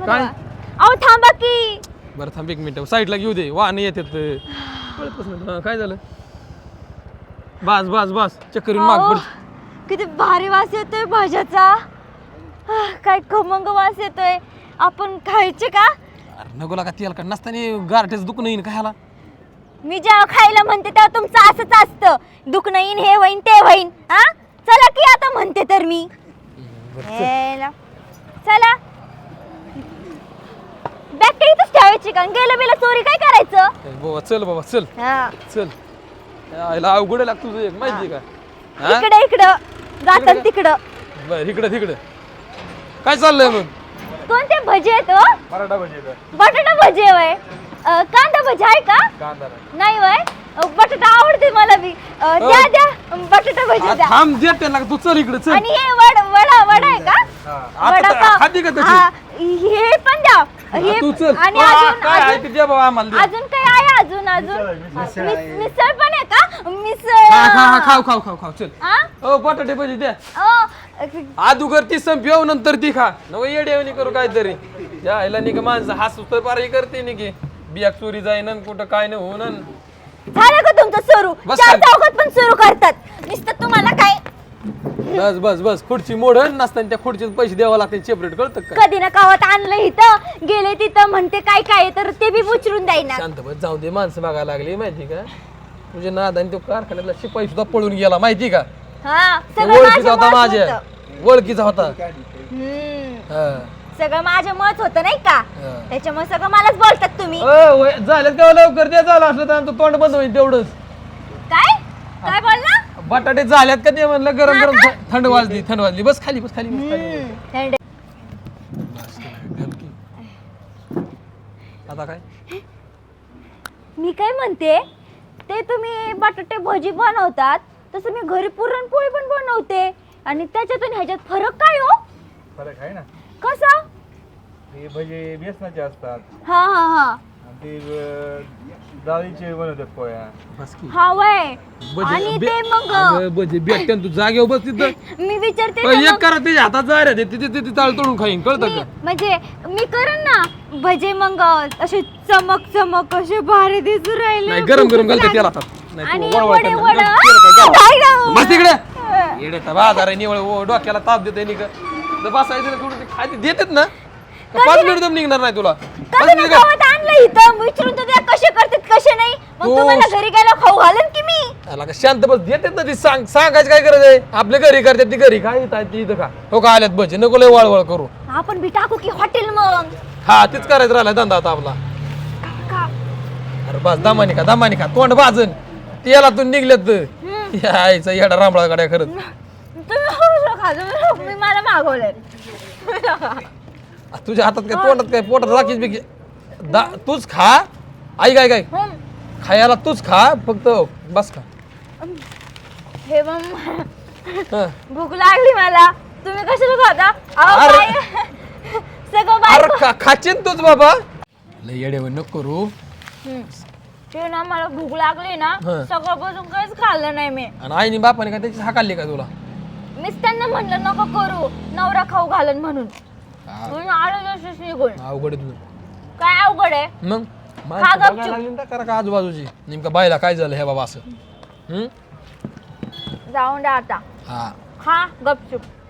काय अहो थांबा की. बरं थांब एक मिनिट साईडला घेऊ दे वाहन येतात कळतच नाही. हा, काय झालं बस बस बस चक्कर येऊन माग अहो, पड. किती भारी वास येतोय भाज्याचा. काय खमंग वास येतोय. आपण खायचे का? अरे नको लागा तेल का नसताना गारठ्याच दुखणं येईन काय ह्याला. मी जेव्हा खायला म्हणते तेव्हा तुमचं असंच असतं. दुखणं येईन हे होईन ते होईन. हा चला की आता म्हणते तर मी. हेला. चला बॅग काही इथंच ठेवायची का? गेलं बिलं चोरी काय करायचं? बाबा चल बाबा चल हा. चल यायला अवघड लागतो तुझं एक माहिती का. हा? इकडं जातात तिकडं. बरं इकडं तिकडं काय चाललंय मग. कोणते भजे आहेत हो? बटाटा भजी बटाटा भजे वय. कांदा भजी आहे का? कांदा नाही वय. बटाटा आवडते मला बी. द्या द्या बटाटा भजी द्या. थांब देत त्याला तू चल इकडे चल. आणि हे वडा आहे का? वडा पाव. खाती का हा, त्याची हे पण द्या. हे तू चल आणि काय आहे ते दे बाबा आम्हाला दे. अजून काय आहे? अजून मिसळ पण आहे का? हा मिसळ. खाऊ खाऊ खाऊ खाऊ चल. हा? ओ बटाटे भजी द्या. अ, आदुगर ती संपव नंतर ती खा नको येडेवणी करू काहीतरी. यायला नाही का माणसं हसू तर पार हे करते नाही की बिया चोरी जाईन कुठं काय नाही होऊन. झालं का तुमचं सुरू? बस चार खाली. चौकात पण सुरू करतात. नुसतं तुम्हाला काय बस बस बस खुर्ची मोडन नसताना त्या खुर्चीत पैसे द्यावं लागते सेपरेट कळतं का. कधी ना कावत आणलं इथं गेले तिथं म्हणते काय काय तर ते बी उचलून द्यायना. शांत बस जाऊ दे माणसं बघायला लागली माहिती का. तुझे नादाने तो कारखान्यातला शिपाई सुद्धा पळून गेला माहिती का. हा तो सगळं ओळखीचा माझं होता मत माझ्या होतं. ओळखीचा होता. हा. सगळं माझं मत होतं नाही का. हा. त्याच्यामुळे सगळं मलाच बोलतात तुम्ही. झालं का लवकर द्या झालं असलं तर आमचं तोंड बंद होईल तेवढंच. काय काय बोलला? बटाटे झाल्यात का ते म्हणलं गरम गरम थंड वाजली बस खाली बस खाली बस खाली. थंड. आता काय मी काय म्हणते ते तुम्ही बटाटे भजी बनवतात तसं मी घरी पुरणपोळी पण बनवते आणि त्याच्यातून ह्याच्यात फरक काय हो? फरक आहे ना. कसा? हे भजे बेसनाचे असतात हा हा हा आणि ते डाळीचे बनवतात पोळ्या. बस की हा वय. आणि ते मग बजे भेटते तू जागेवर बस तिथं. मी विचारते ना एक मग. करा त्याच्या हातात जा रे ते ताळ तोडून खाईन कळतं का. म्हणजे मी करेन ना भजे मग असे चमक चमक असे भारी दिसू राहिले. नाही गरम गरम घालते त्याला हातात. नाही आणि तू वळवळ वडे कर. वडा. तेल काय काय बस तिकडे येडे बाजार आहे निवळ डोक्याला ताप देते निघ बसायचं कुठं ते खायचे देतात ना का 5 मिनिट दम निघणार नाही तुला. कधी ना गावात आणलं इथं विचारून तर त्या कसे करतात कसे नाही मग हो. तुम्हाला घरी गेला खाऊ घालन की मी. त्याला का शांत बस देतात ना ती सांगायची काय गरज आहे. आपल्या घरी करतात ती घरी काय येतात ती इथं का हो का आल्यात भजे नको लय वळवळ करू. आपण बी टाकू की हॉटेल मग. हा तीच करायचं राहिला धंदा आता आपला. का? अरे बस दमानी खा तोंड भाजन त्याला तू निघल्यात यायचा येडा रांबळा गाड्या खरंच. तुम्ही खा तुम्ही मी मला मागवलंय. तुझ्या हातात काय तोंडात काय पोटात राखीच बिकी तूच खा. आई काय काय खायला तूच खा फक्त बस खा. हे मग हं. भूक लागली मला तुम्ही कशाला खाता? अहो अरे. काय सगळं अरे बायको. खाचीन तूच बाबा लय येडे नको करू. ते ना मला भूक लागली ना हं. सकाळपासून काहीच खाल्लं नाही मी. आणि आईने बापाने काय त्याची हाकालली का तुला. मीच त्यांना म्हणलं नको करू नवरा खाऊ घालन म्हणून. म्हणून आलो जसंच निघून. अवघड आहे तुझं. काय अवघड आहे? मग खा माणसं गपचूप. बघायला लागली ना करा का आजूबाजूची नेमकं बायला काय झालं हे बाबा असं. जाऊन द्या आता. हा खा गपचूप.